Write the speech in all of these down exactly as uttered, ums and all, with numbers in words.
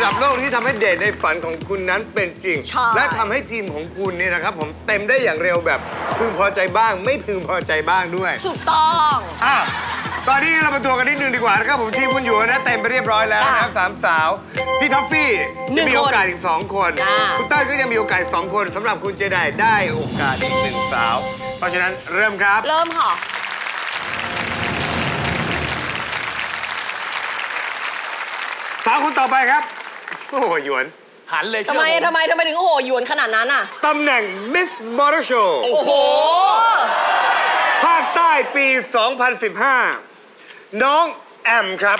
ดับโลกที่ทำให้เดทในฝันของคุณนั้นเป็นจริง และทำให้ทีมของคุณเนี่ยนะครับผมเต็มได้อย่างเร็วแบบพึงพอใจบ้าง ไม่พึงพอใจบ้างด้วยถูกต้องอ่ะตอนนี้เรามาตัวกันนิดนึงดีกว่านะครับผมทีมคุณอยู่นะเต็มไปเรียบร้อยแล้วนะครับสามสาวพี่ท็อฟฟี่จะมีโอกาสอีกสองคนคุณเต้ยก็ยังมีโอกาสอีกสองคนสำหรับคุณเจไดได้โอกาสอีกหนึ่งสาวเพราะฉะนั้นเริ่มครับเริ่มค่ะสาวคนต่อไปครับโอ้โหหยวนหันเลยทำไมทำไมทำไมถึงโอ้โหหยวนขนาดนั้นอ่ะตำแหน่งมิสมอเตอร์โชว์โอ้โหภาคใต้ปี สองพันสิบห้า น้องแอมครับ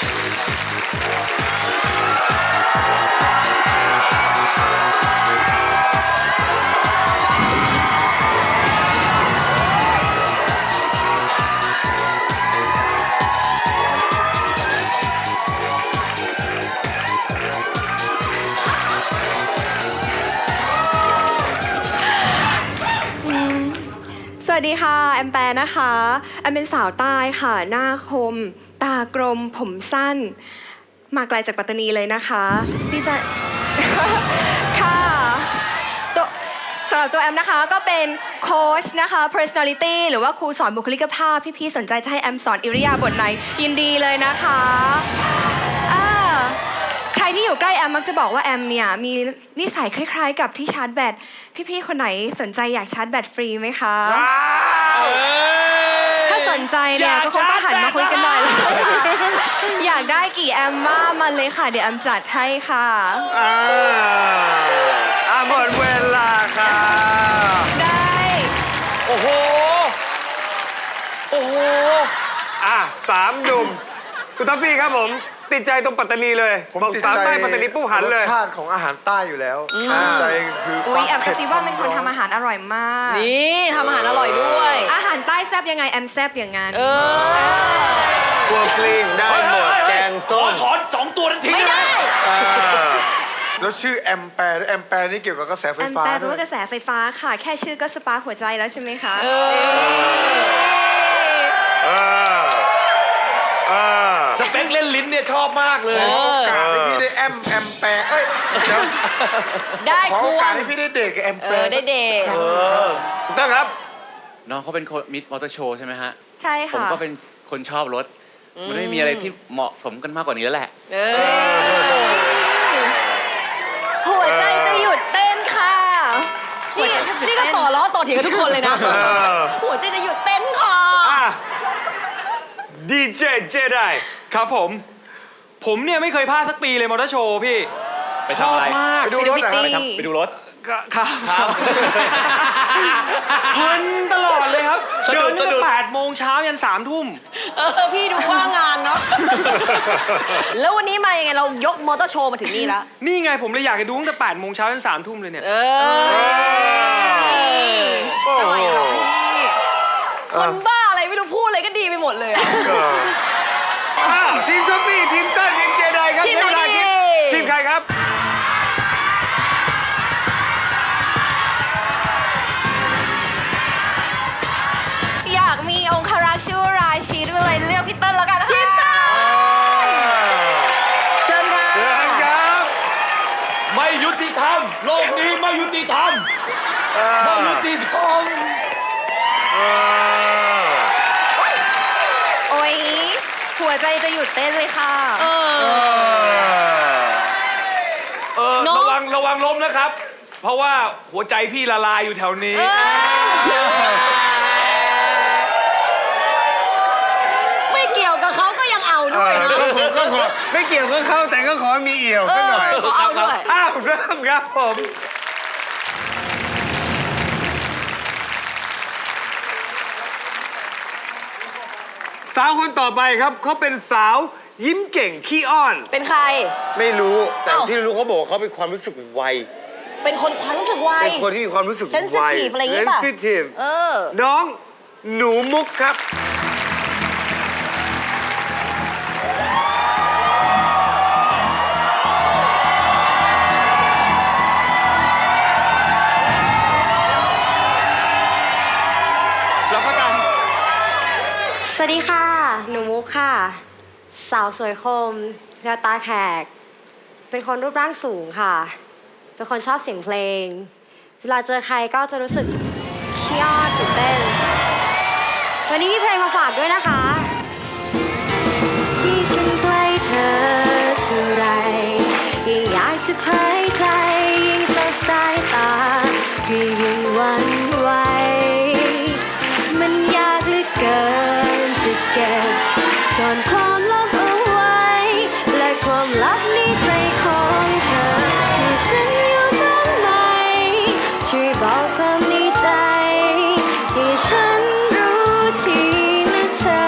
สวัสดีค่ะแอมแปรนะคะแอมเป็นสาวใต้ค่ะหน้าคมตากลมผมสั้นมาไกลจากปัตตานีเลยนะคะดีใจ ค่ะตัวสำหรับตัวแอมนะคะก็เป็นโค้ชนะคะ personality หรือว่าครูสอนบุคลิกภาพพี่ๆสนใจจะให้แอมสอนอิริยาบถไหนยินดีเลยนะคะอ่าใครที่อยู่ใกล้แอมมักจะบอกว่าแอมเนี่ยมีนิสัยคล้ายๆกับที่ชาร์จแบตพี่ๆคนไหนสนใจอยากชาร์จแบตฟรีไหมคะถ้าสนใจเนี่ยก็คงต้องหันมาคุยกันหน่อย อยากได้กี่แอมว่ามาเลยค่ะเดี๋ยวแอมจัดให้ค่ะอ่าอ่าหมดเวลาค่ะได้โอ้โหโอ้โหอ่ะสามหนุ่มคุณทัฟฟี่ครับผมติดใจตรงปัตตานีเลยผมติดใจใต้ปัตตานีปุ๊บหันเลยรสชาติของอาหารใต้อยู่แล้วใจคืออุ้ยแอมกระซิบว่าเป็นคนทำอาหารอร่อยมากนี่ทำอาหารอร่อยด้วยอาหารใต้แซ่บยังไงแอมแซ่บอย่างนั้นเออครัวกลิ้งได้หมดแกงส้มถอนสองตัวนั้นทิ้งไม่ได้แล้วชื่อแอมแปร์แอมแปร์นี่เกี่ยวกับกระแสไฟฟ้าแอมแปร์แปลว่ากระแสไฟฟ้าค่ะแค่ชื่อก็สปาร์คหัวใจแล้วใช่ไหมคะเออสเปคเล่นลิ้นเนี่ยชอบมากเลยขอโอกาสให้พี่ได้แอมแอมแปร์เอ้ยได้ขอคโอวกาสรให้พี่ได้เดทกับแอมแปร์ได้เดทต้องครับน้องเขาเป็นมิสมอเตอร์โชว์ใช่ไหมฮะใช่ค่ะผมก็เป็นคนชอบรถมันไม่มีอะไรที่เหมาะสมกันมากกว่านี้แล้วแหละหัวใจจะหยุดเต้นค่ะนี่นี่ก็ต่อล้อต่อเถียงกันทุกคนเลยนะหัวใจจะหยุดเต้นค่ะดีเจเจได้ครับผมผมเนี่ยไม่เคยพลาดสักปีเลยมอเตอร์โชว์พี่ไปทำอะไรไปดูรถไปทำไปดูรถครับเพลินตลอดเลยครับเดินตั้งแต่แปดโมงเช้ายันสามทุ่มเออพี่ดูว่างงานเนาะแล้ววันนี้มายังไงเรายกมอเตอร์โชว์มาถึงนี่แล้วนี่ไงผมเลยอยากจะดูตั้งแต่แปดโมงเช้ายันสามทุ่มเลยเนี่ยเออจะไหวหรอพี่คนบ้าอะไรไม่รู้พูดอะไรก็ดีไปหมดเลยทีมท็อฟฟี่ทีมเต้นทีมเจไดครับทีมไหนดีทีมใครครับอยากมีองครักษ์ชื่อว่าราชีด้วยเลยเลือกพี่เติ้ลแล้วกันค่ะทีมเติ้ลเชิญค่ะเชิญครับไม่ยุติธรรมโลกนี้ไม่ยุติธรรมไม่ยุติธรรมโอ้ยหัวใจจะหยุดเต้นเลยค่ะเออเออระวังระวังล้มนะครับ เพราะว่าหัวใจพี่ละลายอยู่แถวนี้ไม่เกี่ยวกับเขาก็ยังเอาด้วยนะก็ขอไม่เกี่ยวกับเขาแต่ก็ขอมีเอี่ยวสักหน่อยเอาด้วยอ้าวเริ่มครับผมสาวคนต่อไปครับเขาเป็นสาวยิ้มเก่งขี้อ้อนเป็นใครไม่รู้แต่ที่รู้เขาบอกเขาเป็นความรู้สึกไวเป็นคนความรู้สึกไวเป็นคนที่มีความรู้สึกไว sensitive อะไรอย่างเงี้ยป่ะ sensitive เออน้องหนูมุกครับรับประกันสวัสดีค่ะหนูมุกค่ะสาวสวยคมแววตาแขกเป็นคนรูปร่างสูงค่ะ เป็นคนชอบเสียงเพลง เวลาเจอใครก็จะรู้สึกเครียดตื่นเต้น วันนี้มีเพลงมาฝากด้วยนะคะ ที่ฉันใกล้เธอเท่าไรยิ่งอยากจะเผยใจยิ่งสบสายตาก็ยิ่งหวันไหวมันยากเหลือเกินจะเก็บซ่อนความลับเอาไว้และความลับในใจของเธอที่ฉันอยู่ตรงไหนช่วยบอกความในใจให้ฉันรู้ทีนะเธอ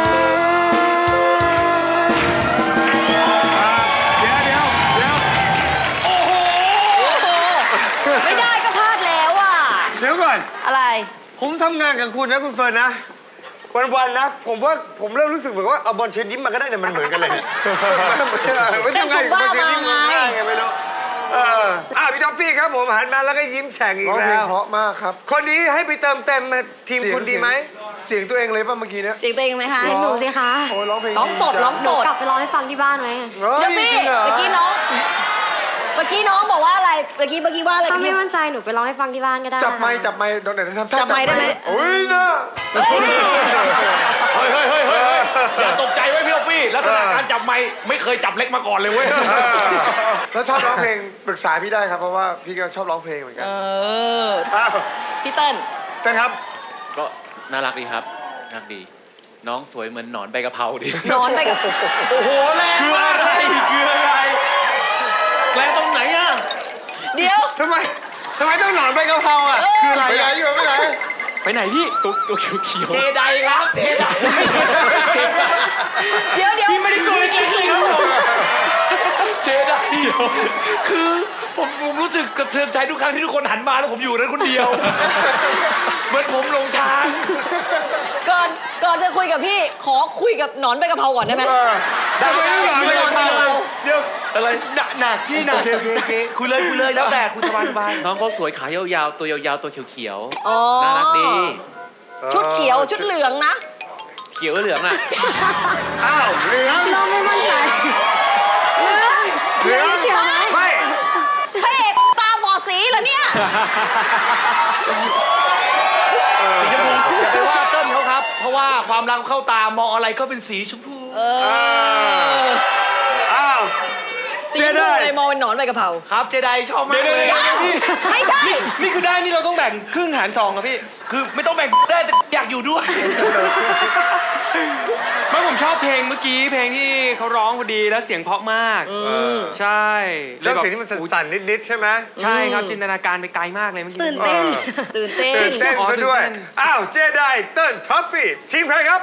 เดี๋ยวเดี๋ยวเดี๋ยวโอ้โหไม่ได้ก็พลาดแล้วอ่ะเดี๋ยวก่อนอะไรผมทำงานกับคุณนะคุณเฟิร์นนะ วันๆนะ ผมว่าผมเริ่มรู้สึกเหมือนว่าเอาบอลเชิญยิ้มมาก็ได้แต่มันเหมือนกันเลยไม่ทำงานกับบอลเชิญยิ้มมาไงไม่รู้เอออ่ะพี่ท็อฟฟี่ครับผมหันมาแล้วก็ยิ้มแฉ่งอีร้กองเพลแล้งวเพราะมากครับคนนี้ให้ไปเติมเต็มทีมเสียงคุณดีไหมเสียงตัวเองเลยป่ะเมื่อกี้เนี้ยเสียงตัวเองไหมคะเสียงหนูสิคะโอ้ยร้องเพลงร้องสดจัร้องหนูกลับไปร้องให้ฟังที่บ้านไหมเฮ้ยเดี๋ยวสิจริงหรเมื่อกี้น้อง เมื่อกี้น้องบอกว่าอะไร เมื่อกี้เมื่อกี้ว่าอะไรถ้าไม่เมื่อกี้มั่นใจหนูไปร้องให้ฟังที่บ้านก็ได้จับไม้จับไม้โดนไหนทำท่าจับไมค์ได้ไหมโอ้ยนะเฮ้ยเฮ้ยเฮ้ยเฮ้ยเฮ้ยอย่าตกใจไว้พี่ออฟฟี่ลักษณะการจับไม้ไม่เคยจับเล็กมาก่อนเลยเว้ยถ้าชอบร้องเพลงปรึกษาพี่ได้ครับเพราะว่าพี่ก็ชอบร้องเพลงเหมือนกันเอออ้าวพี่เติ้ลเต้นครับก็น่ารักดีครับน่ารักดี น้องสวยเหมือนหนอนใบกะเพราดีนอนไปกับโอ้โหแรงคืออะไรคืออะไรแรงตรงไหนอ่ะเดี๋ยวทำไมทำไมต้องหนอนใบกะเพราอ่ะคืออะไรไปไหนอ่ะอยู่ไปไหนไปไหนพี่ตัวตัวเขียวเขียวเจไดครับเจไดเดี๋ยวเดี๋ยวพี่ไม่ได้ตัวเล็กๆเลยครับผมเจไดคือผมผมรู้สึกกระเทือนใจทุกครั้งที่ทุกคนหันมาแล้วผมอยู่นั้นคนเดียวเหมือนผมหลงทางก่อนก่อนจะคุยกับพี่ ขอคุยกับหนอนใบกะเพราก่อนได้ไหมได้ไหมหนอนใบกะเพราเดี๋ยวอะไรหนักหนักพี่หนักโอเคโอเคโอเคคุยเลยคุยเลยแล้วแต่คุณสบายสบายน้องเขาสวยขายาวๆ ตัวยาวๆ ตัวเขียวอ๋อๆ น่ารักดีชุดเขียวชุดเหลืองนะเขียวเหลืองอ่ะอ้าวเหลืองน้องไม่มั่นใจเหลืองเหลืองเขียวไหมไม่พระเอกตาบอดสีเหรอเนี่ยสีชมพูอย่าไปว่าเติ้ลเขาครับ เพราะว่าความรักเข้าตามองอะไรก็เป็นสีชมพูเอออ้าวสีชมพูเลยมองเป็นหนอนใบกะเพราครับเจไดชอบมากเลยยังไม่ใช่นี่คือได้นี่เราต้องแบ่งครึ่งหารสองครับพี่ คือไม่ต้องแบ่งได้แต่อยากอยู่ด้วยไม่ผมชอบเพลงเมื่อกี้เพลงที่เขาร้องพอดีแล้วเสียงเพราะมาก ใช่แล้วแบบสิ่งที่มันสั่นๆนิดๆใช่ไหมใช่ครับจินตนาการไปไกลมากเลยเมื่อกี้ตื่นเต้นตื่นเต้นตื่นเต้นอ๋อซะด้วยตื่นเต้นอ้าว เจไดเติ้ลท็อฟฟี่ ทีมใครครับ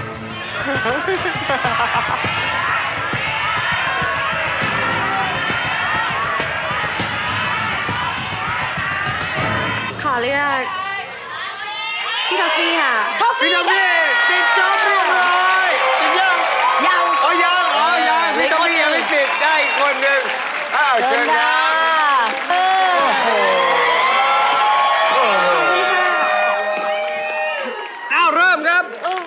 ขอเลือกพี่ท็อฟฟี่ค่ะท็อฟพี่ฟี่ท็อฟฟี่ค่ะปิดจ็อบเรียบร้อยปิดยังยังอ๋อยังอ๋อยังเออพี่ท็อฟฟี่ยังไม่ปิดได้อีกคนหนึ่งอ้าวเชิเชิญญคค่ะรับเอออ้าวเริ่มครับเออ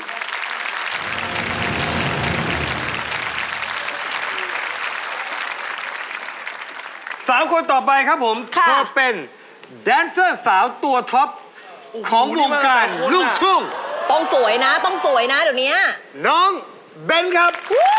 สาวคนต่อไปครับผมค่ะเธอเป็นแดนเซอร์สาวตัวท็อปของวงการลูกทุ่งต้องสวยนะ ต้องสวยนะเดี๋ยวนี้น้องเบนครับวู้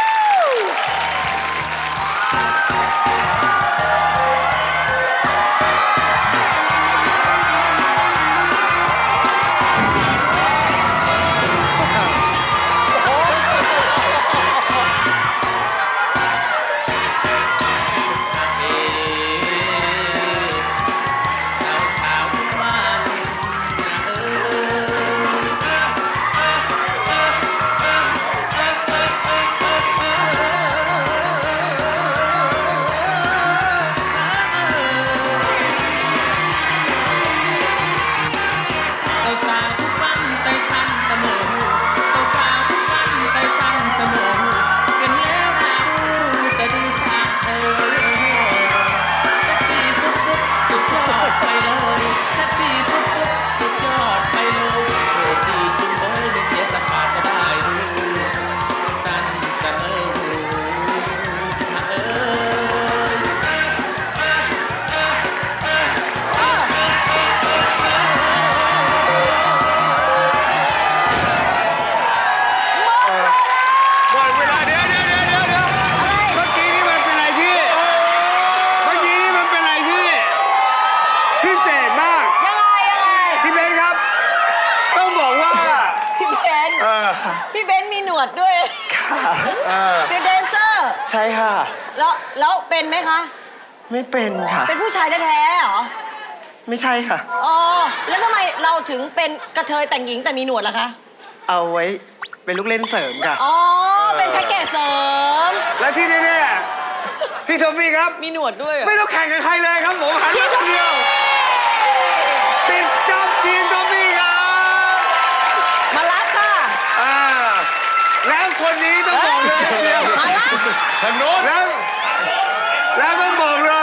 ค่ะพี่เบนซ์มีหนวดด้วยค่ะเป็นแดนเซอร์ใช่ค่ะแล้วแล้วเป็นไหมคะไม่เป็นค่ะเป็นผู้ชายแท้ๆเหรอไม่ใช่ค่ะอ๋อ แล้วทำไมเราถึงเป็นกระเทยแต่งหญิงแต่มีหนวดล่ะคะเอาไว้เป็นลูกเล่นเสริมค่ะอ๋อ เป็นแพ็กเกจเสริมและที่แน่ๆพี่ทอฟฟี่ครับมีหนวดด้วยเหรอไม่ต้องแข่งกับใครเลยครับผมหันพี่มาทคอน ฟเดีฟี่ยวปิดจอบทีมทอฟฟี่ครับมารับค่ะอ่าแล้วคนนี้ต้องบอกเลยเดียวมารับทางโน้นแล้วแล้วต้องบอกเลย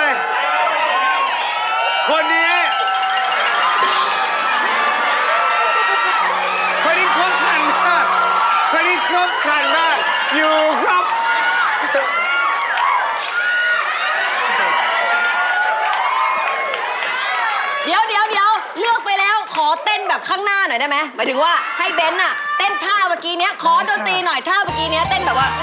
คนนี้คนนี้ครบครันมากคนนี้ครบครันมากอยู่ครับเดี๋ยวเดี๋ยวเดี๋ยวเลือกไปแล้ว ขอเต้นแบบข้างหน้าหน่อยได้ไหมหมายถึงว่าให้เบนซ์อะเต้นท่าเมื่อกี้เนี้ย ขอดนตรีหน่อยท่าเมื่อกี้เนี้ยเต้นแบบว่า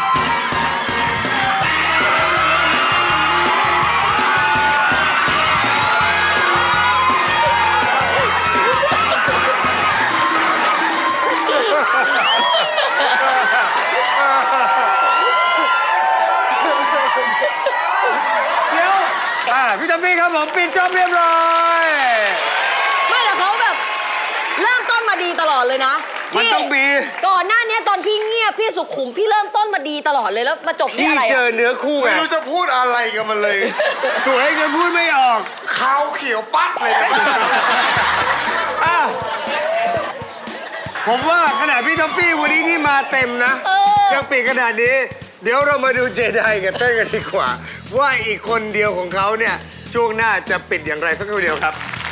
เดี๋ยวอ่าพี่จอมพี่ครับผมปิดจอบเรียบร้อยไม่แต่เขาแบบ เริ่มต้นมาดีตลอดเลยนะมันพี่ต้องมีก่อนหน้านี้ตอนพี่เงียบพี่สุขุมพี่เริ่มต้นมาดีตลอดเลยแล้วมาจบที่พี่อะไรเจอะอเนื้อคู่ไงไม่รู้จะพูดอะไรกันมันเลยสวยจนพูดไม่ออกขาวเขียวปัดเลยนะอ่ะผมว่าขนาดพี่ท็อฟฟี่วันนี้ที่มาเต็มนะเออยังปิดขนาดนี้ เดี๋ยวเรามาดูเจไดกับเต้นกันดีกว่า ว่าอีกคนเดียวของเขาเนี่ย ช่วงหน้าจะปิดอย่างไรสักครู่เดียวครับ